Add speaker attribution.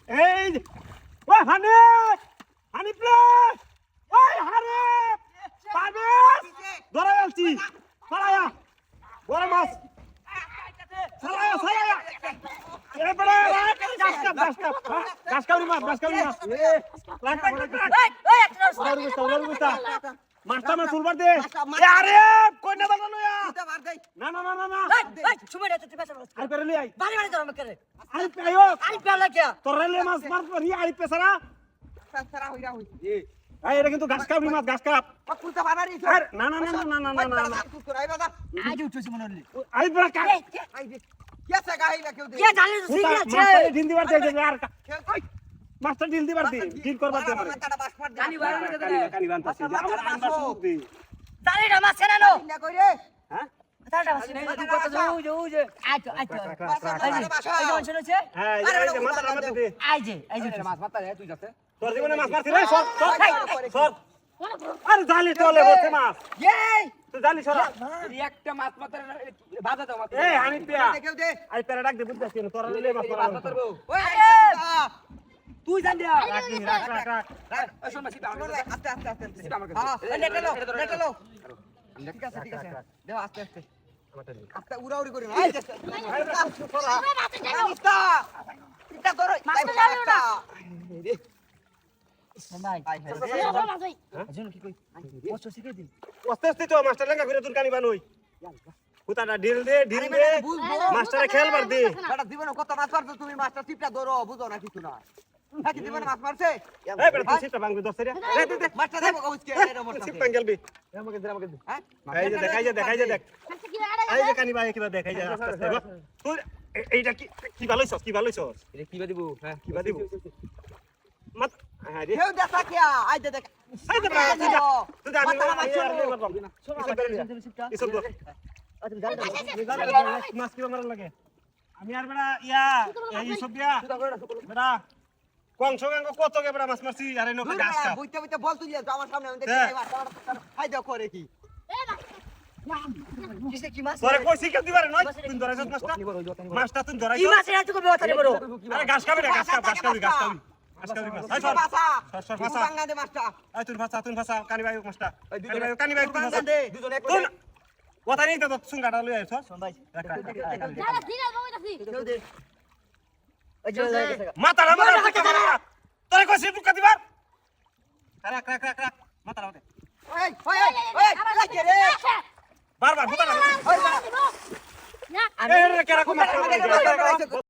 Speaker 1: এই ওই হানিফ হানিফ রে ওই হানিফ পারবেশ ধরে আনছি সারায়া বড় মাছ সারায়া সারায়া এবারে গাছ কাউরি মাছ লাগটা
Speaker 2: ওই একটা
Speaker 1: লাগটা মাছটা আমার চুলবার দে আরে কই না বানানো না না না না না
Speaker 2: এই সুমে রে তুই পেছন
Speaker 1: আর করে লি আই
Speaker 2: বাড়ি বাড়ি ধরম করে
Speaker 1: আরে পাইও
Speaker 2: আরে পেলা কে
Speaker 1: তোর রেলে মাছ মার রি আই পেছারা
Speaker 3: সারা হইরা হই
Speaker 1: এই এটা কিন্তু গাছ কাউরি মাছ গাছ কাপ
Speaker 3: পুলতা বানারি
Speaker 1: আরে না না না না না না না
Speaker 3: তুই করাই বাদা
Speaker 2: আজ উঠছিস মনে হলি
Speaker 1: আই বড় কা
Speaker 3: আই দে কে সাগাইলা কেউ দে
Speaker 2: কে জানি তো ঠিক আছে
Speaker 1: মাছটা ঢিল দিবার দে আর
Speaker 3: খেল কই
Speaker 1: মাছটা ঢিল দিবার দে ঢিল করবার দে আমারে
Speaker 3: মাথাটা বাস মার দে
Speaker 2: কানি বার করে দে
Speaker 1: কানি বানতাছি আমার আন্দাজ সুদ দে
Speaker 2: জানি না মাছ কেন নো
Speaker 3: না কই রে
Speaker 1: হ্যাঁ
Speaker 2: তাড়া মাছ নেই তুই কত যাও যে আইতো আইতো এই যে অঞ্চল আছে
Speaker 1: হ্যাঁ এই যে মাথাটা মারতে দে
Speaker 2: এই যে
Speaker 3: মাছ মারতা রে তুই যাতে
Speaker 1: তোর জীবনে মাছ মারছিস রে সর আরে জালি চলে বসে মাছ
Speaker 3: এই
Speaker 1: তুই জালি সরা
Speaker 3: একটা মাছ মারতা বাজা দাও মাছ
Speaker 1: এই হানি পিয়া
Speaker 3: কেউ দে
Speaker 1: আই পেরা ডাক দে বুঝতাছিস না তোরা নিলে মাছ মারতে
Speaker 3: মারবো ওই
Speaker 2: তুই জান দিয়া
Speaker 1: রাখ
Speaker 3: ওই শোন মাছি আস্তে আস্তে আস্তে আস্তে আমার কাছে হ্যাঁ নেটলো ঠিক আছে দেও আস্তে আস্তে আস্তে উড়াউড়ি করি না এই যে সরা আস্তে এটা ধরো মাছটা
Speaker 2: ভাই
Speaker 3: আজন কি কই
Speaker 2: কষ্ট শিখে দি
Speaker 1: আস্তে আস্তে তো মাস্টার লেঙ্গা ঘুরে তুই কানি বানই হুতাটা ঢিল দে মাস্টারে খেলবার দে
Speaker 3: বেটা জীবনে কত মাছ মারছো তুমি মাছটা টিপটা ধরো বুঝো না কিছু না নাকি জীবনে মাছ মারছে
Speaker 1: এই বেটা তুই সিটটা ভাঙবি দছরে দে
Speaker 3: মাছটা দেবো কইছে এর মত
Speaker 1: সিট ভাঙ গেলবি
Speaker 3: আমাকে দে হ্যাঁ
Speaker 1: এই যে দেখাই দেখ এই যে কানি ভাই কিবা দেখাই যা আস্তে আস্তে তুই এইটা কি ভালোইছস
Speaker 3: এটা কি দিব হ্যাঁ
Speaker 1: কি বা দিব মাত হ্যাঁ রে
Speaker 3: কেউ দেখা কে আই দে দেখ
Speaker 1: এই দে তুই আমি এসব তো মাছ কিবা মারা লাগে আমি আর বেড়া ইয়া এই সব দিয়া বেড়া কংস গাঙ্গ কত কে বেড়া মাছ মারছি আরে নৌকা গাছ কাপ
Speaker 3: বুইতে বুইতে বল তুই যাও আমার সামনে আমি দেখি খাই দাও করে কি
Speaker 2: কিসে কি মাছ
Speaker 1: তোরে কইছি কেউ দিবারে নয় তুই ধরাইছস মাছটা তুই
Speaker 2: কি
Speaker 1: ধরাইছস
Speaker 2: মাছ এত কবে কথা বড়
Speaker 1: আরে ঘাস খাবি না ঘাস খাবি মাছ এই সর সর ভাষা
Speaker 3: বাংলা দে মাছটা
Speaker 1: এই তুই ভাষা কানি ভাই মাছটা কানি ভাই তুই ভাষা
Speaker 3: দে দুজন এক
Speaker 1: তুই কথা নেই তো সুঙ্গাটা লই আইছস
Speaker 2: ভাই
Speaker 1: রাখ
Speaker 4: দাদা ঠিক আছে বাবু দাসি
Speaker 2: কেউ দে ওই যে
Speaker 1: মাতারা তোরে কইছি টুকা দিবার রাখ মাতারা ওতে
Speaker 3: ওই ওই ওই লাগে রে
Speaker 1: বারবার হুতা না
Speaker 4: না
Speaker 1: এই রে কেরা কো মাছ